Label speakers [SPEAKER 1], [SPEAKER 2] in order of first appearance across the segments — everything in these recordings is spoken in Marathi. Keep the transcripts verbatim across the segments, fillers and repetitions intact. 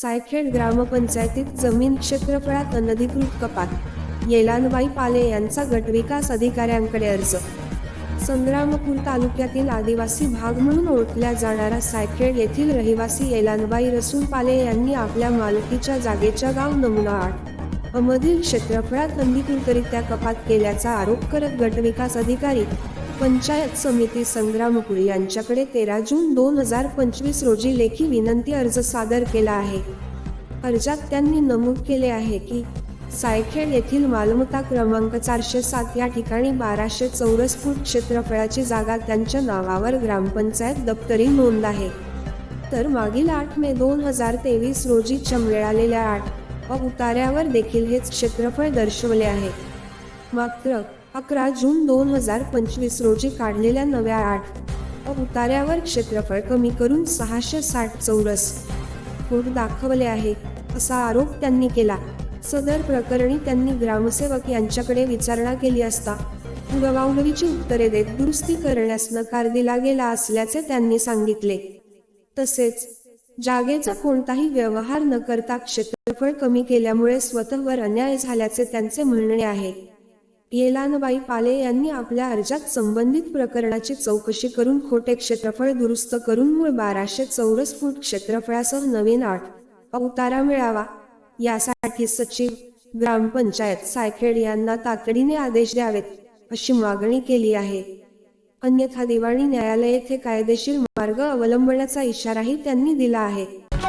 [SPEAKER 1] सायखेड ग्रामपंचायतीत जमीन क्षेत्रफळात अनधिकृत कपात, येलानबाई पाले यांचा गटविकास अधिकाऱ्यांकडे अर्ज. संग्रामपूर तालुक्यातील आदिवासी भाग म्हणून ओळखल्या जाणारा सायखेड येथील रहिवासी येलानबाई रसूल पाले यांनी आपल्या मालकीच्या जागेच्या गाव नमुना आठ मधील क्षेत्रफळात अनधिकृतरित्या कपात केल्याचा आरोप करत गटविकास अधिकारी पंचायत समिती संग्रामपूर यांच्याकडे तेरा जून दोन हजार पंचवीस रोजी लेखी विनंती अर्ज सादर केला आहे. अर्जात त्यांनी नमूद केले आहे की सायखेड येथील मालमत्ता क्रमांक चारशे सात या ठिकाणी बाराशे चौरस फूट क्षेत्रफळाची जागा त्यांच्या नावावर ग्रामपंचायत दप्तरी नोंद आहे. तर मागील आठ मे दोन हजार तेवीस रोजी मिळालेल्या आठ अ उतार्यावर देखील हेच क्षेत्रफळ दर्शवले आहे. मात्र अकरा जून दोन हजार पंचवीस रोजी काढलेल्या नव्या आठ अ उतार्यावर क्षेत्रफळ कमी करून सहाशे साठ चौरस फूट दाखवले आहे, असा आरोप त्यांनी केला. सदर प्रकरणी त्यांनी ग्रामसेवक यांच्याकडे विचारणा केली असता पुरवावणीची उत्तरे देत दुरुस्ती करण्यास नकार दिला गेला असल्याचे त्यांनी सांगितले. तसेच जागेचा कोणताही व्यवहार न करता क्षेत्रफळ कमी केल्यामुळे स्वतःवर अन्याय झाल्याचे त्यांचे म्हणणे आहे. येलानबाई पाले यांनी आपल्या अर्जात संबंधित प्रकरणाची चौकशी करून खोटे क्षेत्रफळ दुरुस्त करून मूळ बाराशे चौरस फूट क्षेत्रफळासह नवीन आठ अ उतारा मिळावा, यासाठी सचिव ग्रामपंचायत सायखेड यांना तातडीने आदेश द्यावेत, अशी मागणी केली आहे. अन्यथा दिवाणी न्यायालय येथे कायदेशीर मार्ग अवलंबण्याचा इशाराही त्यांनी दिला आहे.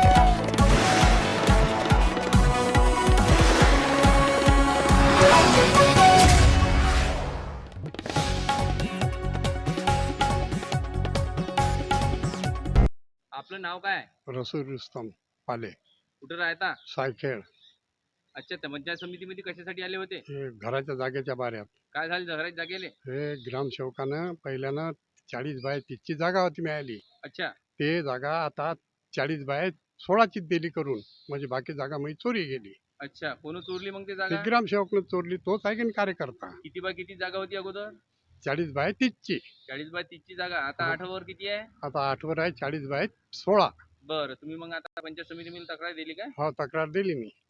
[SPEAKER 2] आपलं नाव काय?
[SPEAKER 3] रसूल रुस्तम पाले,
[SPEAKER 2] कुठे राहता?
[SPEAKER 3] सायखेड.
[SPEAKER 2] अच्छा, त्या पंचायत समितीमध्ये कशासाठी आले होते?
[SPEAKER 3] हे घराच्या जागेच्या बाऱ्यात.
[SPEAKER 2] काय झालं घराच्या जागेले?
[SPEAKER 3] हे ग्रामसेवकानं पहिल्यानं चाळीस बाय तीसची जागा होती मिळाली.
[SPEAKER 2] अच्छा.
[SPEAKER 3] ते जागा आता चाळीस बाय सोळाची दिली करून, म्हणजे बाकी जागा म्हणजे चोरी गेली.
[SPEAKER 2] अच्छा, कोण चोरली मग ते
[SPEAKER 3] ते
[SPEAKER 2] जागा?
[SPEAKER 3] ग्रामसेवकनं चोरली, तोच आहे की नाही कार्यकर्ता.
[SPEAKER 2] किती बाय किती जागा होती अगोदर?
[SPEAKER 3] चाळीस बाय तीसची.
[SPEAKER 2] चाळीस बाय तीस ची जागा, आता
[SPEAKER 3] हो.
[SPEAKER 2] आठ वर किती आहे?
[SPEAKER 3] आता आठवर आहे चाळीस बाय सोळा.
[SPEAKER 2] बरं, तुम्ही मग आता पंचायत समितीमध्ये तक्रार दिली काय?
[SPEAKER 3] हो, तक्रार दिली मी.